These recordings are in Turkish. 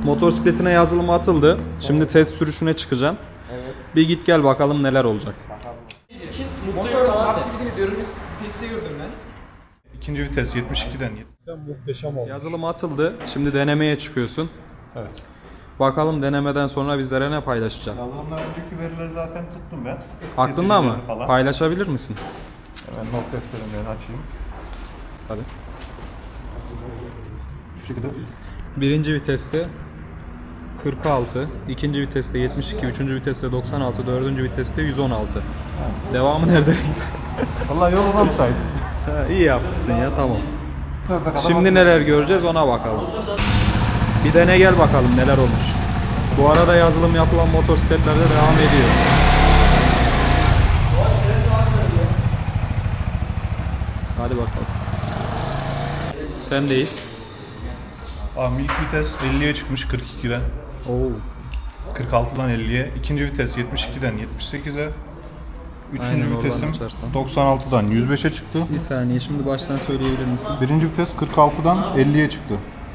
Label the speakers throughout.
Speaker 1: Motosikletine yazılımı atıldı. Şimdi test sürüşüne çıkacaksın.
Speaker 2: Evet.
Speaker 1: Bir git gel bakalım neler olacak.
Speaker 2: Motorun top speedini dönülmüş viteste gördüm ben.
Speaker 3: İkinci vites 72'den.
Speaker 1: Muhteşem olmuş. Yazılımı atıldı. Şimdi denemeye çıkıyorsun.
Speaker 3: Evet.
Speaker 1: Bakalım denemeden sonra bizlere ne paylaşacaksın?
Speaker 3: Yazılımdan önceki verileri zaten tuttum ben.
Speaker 1: Aklında mı?
Speaker 3: Kesicilerini falan.
Speaker 1: Paylaşabilir misin?
Speaker 3: Hemen not defterimden açayım.
Speaker 1: Tabii.
Speaker 3: Şu şekilde.
Speaker 1: Birinci viteste 46, ikinci viteste 72, üçüncü viteste 96, dördüncü viteste 116. Devamı nerede?
Speaker 3: Vallahi yoluna mı saydım?
Speaker 1: İyi yapmışsın ya, tamam. Şimdi neler göreceğiz ona bakalım. Bir dene gel bakalım neler olmuş. Bu arada yazılım yapılan motosikletlerde devam ediyor. Hadi bakalım. Sendeyiz.
Speaker 3: İlk vites 50'ye çıkmış 42'den.
Speaker 1: Oo.
Speaker 3: 46'dan 50'ye. İkinci vites 72'den 78'e. Üçüncü
Speaker 1: Aynen, oradan
Speaker 3: vitesim
Speaker 1: açarsan.
Speaker 3: 96'dan 105'e çıktı.
Speaker 1: Bir saniye, şimdi baştan söyleyebilir misin?
Speaker 3: Birinci vites 46'dan 50'ye çıktı.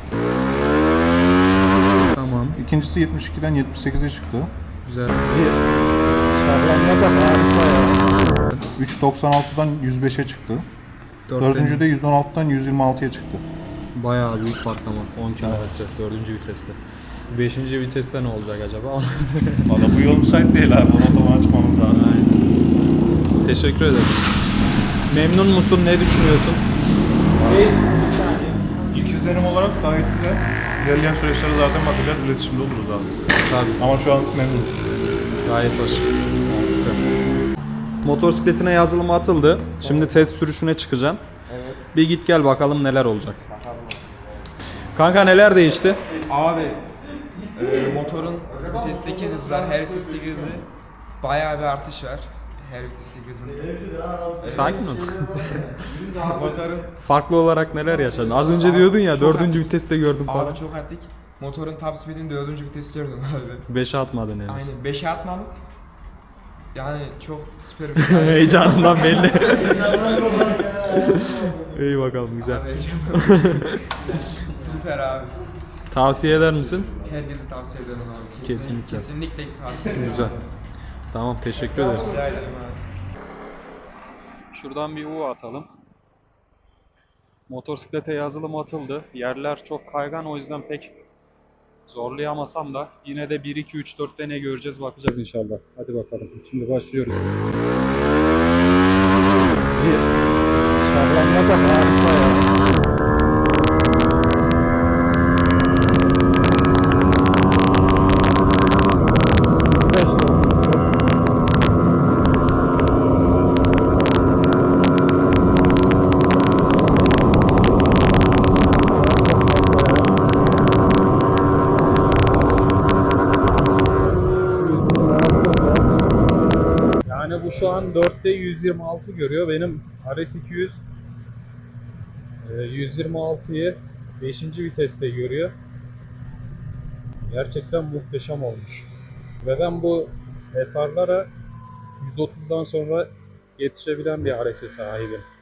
Speaker 1: Tamam.
Speaker 3: İkincisi 72'den 78'e çıktı.
Speaker 1: Güzel. Bir. Şarlanmaz ama harika ya.
Speaker 3: 3.96'dan 105'e çıktı. Dördüncü de 116'dan 126'ya çıktı.
Speaker 1: Bayağı büyük patlama. 10 km dördüncü viteste. Beşinci viteste ne olacak acaba?
Speaker 3: Valla bu yol müsait değil abi. Onu otoban açmamız lazım.
Speaker 1: Aynen. Teşekkür ederim. Memnun musun? Ne düşünüyorsun? Bir saniye.
Speaker 3: İlk izlenim olarak gayet güzel. İlerleyen süreçlere zaten bakacağız. İletişimde oluruz abi.
Speaker 1: Tabii.
Speaker 3: Ama şu an memnunuz.
Speaker 1: Gayet hoş. Güzel. Motosikletine yazılımı atıldı. Şimdi test sürüşüne çıkacaksın.
Speaker 2: Evet.
Speaker 1: Bir git gel bakalım neler olacak. Kanka neler değişti?
Speaker 2: Abi motorun vitesteki hızlar, her vitesteki hızı bayağı bir artış var. Her vitesteki hızın.
Speaker 1: Sakin ol.
Speaker 2: Motorun
Speaker 1: Farklı olarak neler yaşadın? Az önce diyordun ya
Speaker 2: çok
Speaker 1: dördüncü
Speaker 2: atik.
Speaker 1: viteste gördüm falan.
Speaker 2: Abi çok atik. Motorun top speedini 4. viteste gördüm abi.
Speaker 1: 5'e atmadın henüz.
Speaker 2: Aynen 5'e atmam. Yani çok süper
Speaker 1: Heyecanından belli. İyi bakalım, güzel.
Speaker 2: Abi heyecanlandım. Süper abi.
Speaker 1: Tavsiye eder misin?
Speaker 2: Herkese tavsiye ederim abi.
Speaker 1: Kesinlikle.
Speaker 2: Kesinlikle tavsiye ederim.
Speaker 1: Güzel. Tamam, teşekkür ederiz.
Speaker 2: Rica ederim abi.
Speaker 1: Şuradan bir U atalım. Motosiklete yazılım atıldı. Yerler çok kaygan, o yüzden pek zorlayamasam da yine de 1, 2, 3, 4'te ne göreceğiz bakacağız inşallah. Hadi bakalım. Şimdi başlıyoruz. Bir. Şarlanmaz ama harika ya. Yani bu şu an 4'te 126 görüyor. Benim RS200 126'yı 5. viteste görüyor. Gerçekten muhteşem olmuş. Ve ben bu SR'lara 130'dan sonra yetişebilen bir RS'e sahibim.